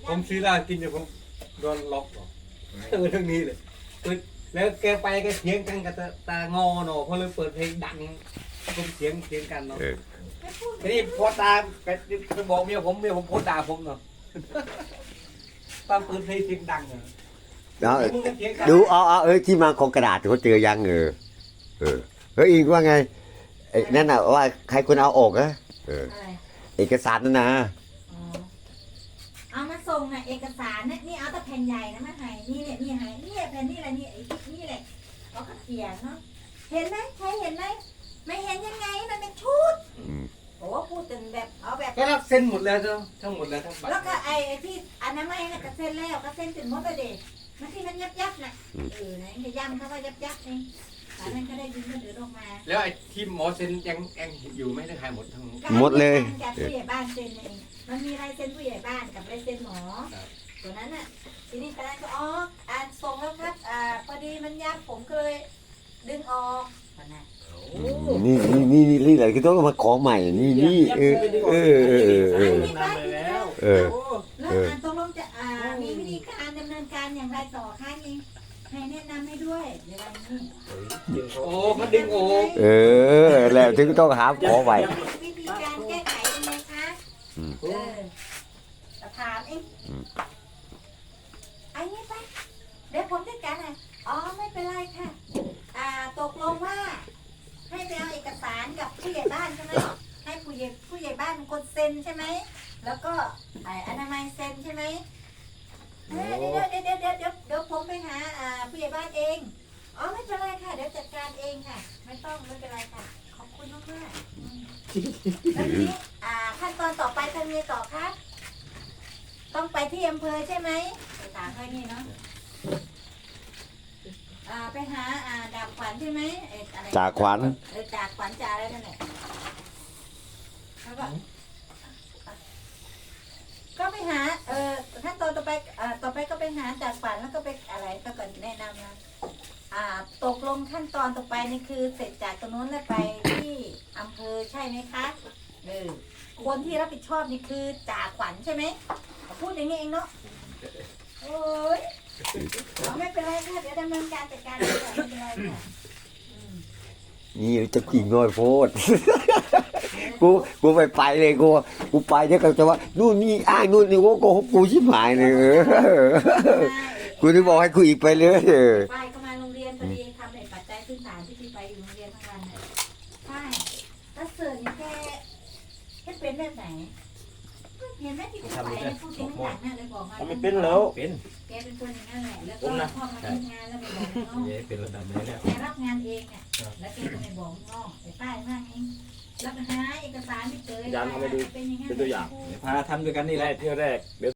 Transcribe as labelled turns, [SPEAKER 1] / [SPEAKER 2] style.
[SPEAKER 1] ผมซื้อเหล้ากินอยู่ผมโดนล็อกหรอเรื่องนี้เลยแล้วแกไปแกเถียงกันกับตางอเนาะเพราะเลยเปิดเพลงดังผมเถียงกันเนาะทีนี้พอตาไปบอกเมียผมโพสด่าผมเนาะตามเปิดเพลงเสียงดังเนาะ
[SPEAKER 2] ดูที่มาของกระดาษเขาเจอยังเฮ้ยอิงว่าไงไอ้นั่นน่ะว่าใครคนเอาออกอะเอกสารนั่นนะ
[SPEAKER 3] เอามาส่งน่ะเอกสารเนี่ยนี่เอาแต่แผ่นใหญ่นะมาให้นี่เนี่ยนี่ให้นี่แผ่นนี่อะไรนี่ไอ้นี่แหละเขาก็เขียนเนาะเห็นไหมใครเห็นไหมไม่เห็นยังไงมันเป็นชุดโอ้พูดถึงแบบเอาแบบ
[SPEAKER 1] ก็รับเซ็นหมดแล้วเจ้าทั้งหมดแล้วทั้งบัตร
[SPEAKER 3] แล้วก็ไอ้ที่อนามัยน่ะก็เซ็นแล้วก็เซ็นถึงหมดเลยเด็กมันที่มันยับน่ะไหนจะย้ำเขาว่ายับเองแต่นั้นก็ได้ยินมันเดือดออกมา
[SPEAKER 1] แล้วไอ้ที่หมอเซ็นยังอยู่ไม่ได้ขายหมดทั้ง
[SPEAKER 2] หมดเลย
[SPEAKER 3] จากผู้ใหญ่บ้านเซ็นเองมันมีลายเซ็นผู้ใหญ่บ้านกับลายเซ็นหมอตัวนั้นน่ะทีนี้ตอนนั้นก็อ่านส่งแล้วครับพอดีมันยับผมก็เลยดึงออกนะ
[SPEAKER 2] นี่อะไรก็ต้องมาขอใหม่นี่
[SPEAKER 3] แล้วตกลงจะมีวิธีการดำเนินการอย่างไรต่อคะนี่ให้แนะนำให้ด้วยเดี๋ยววันนี้
[SPEAKER 1] โอ้เขาดึงโอ้
[SPEAKER 2] แล้วถึงต้องหาขอใหม่
[SPEAKER 3] วิธีการแก้ไขยังไงคะถามเองไอ้นี่ไปเดี๋ยวผมจัดการให้ไม่เป็นไรค่ะตกลงว่าให้ไปเอาเอกสารกับผู้ใหญ่บ้านใช่ไหมให้ผู้ใหญ่บ้านเป็นคนเซ็นใช่ไหมแล้วก็อนามัยเซ็นใช่ไหมเดี๋ยวผมไปหาผู้ใหญ่บ้านเองไม่เป็นไรค่ะเดี๋ยวจัดการเองค่ะไม่เป็นไรค่ะขอบคุณมากแล้วทีนี้ขั้นตอนต่อไปทำยังไงต่อคะต้องไปที่อำเภอใช่ไหมไปถามเขานี่เนาะไปหาดาบขวัญใช่ไหม
[SPEAKER 2] จากขวัญ
[SPEAKER 3] จากขวัญจ่าอะไรนั่นแหละแล้วก็ไปหาขั้นตอนต่อไปก็ไปหาจากขวัญแล้วก็ไปอะไรก็ก่อนแนะนำนะตกลงขั้นตอนต่อไปนี่คือเสร็จจากตรงนู้นแล้วไปที่อำเภอใช่ไหมคะคนที่รับผิดชอบนี่คือจ่าขวัญใช่ไหมพูดอย่างนี้เองเนาะโอ้ยไม่เป็นไรค่ะเดี๋ยวดำเนินการจัดการไม่เป็นไรค่ะ
[SPEAKER 2] นี่จะกิ่งน้อยโพดกูไปเลยกูไปเนี่ยก็จะว่านู่นนี่อ้างนู่นนี่กูชิบหายเลยกูจะบอกให้กูอีกไปเลย
[SPEAKER 3] ไปก็มาโรงเรียนพอดีทำในปัจจัยพื้นฐานที่ไปอยู่โรงเรียนทั้งวันเลยใช่ถ้าเสือนี่แกเป็นแบบไหนเห็นไหมที่คุณไปพูดถึงหนักนั่นเลยบอกมา
[SPEAKER 4] ไม่เป็นแล้ว
[SPEAKER 1] เป็น
[SPEAKER 3] แกเป็นคนอย่างนั้นแหละแล้วก็พ่อมาทำงานแล้วไปบอกน้อง
[SPEAKER 1] เป็นระดับนี้เนี่ย
[SPEAKER 3] แกรับงานเองเนี่ยแล้วแกก็ไปบอกน้องไปป้ายมากเองแล้วไปหาเอกสารไม่เจอเป็นยังไง
[SPEAKER 4] เป็นตัวอย่าง
[SPEAKER 1] พาทำด้วยกันนี่แหละ
[SPEAKER 4] เที่ยวแรก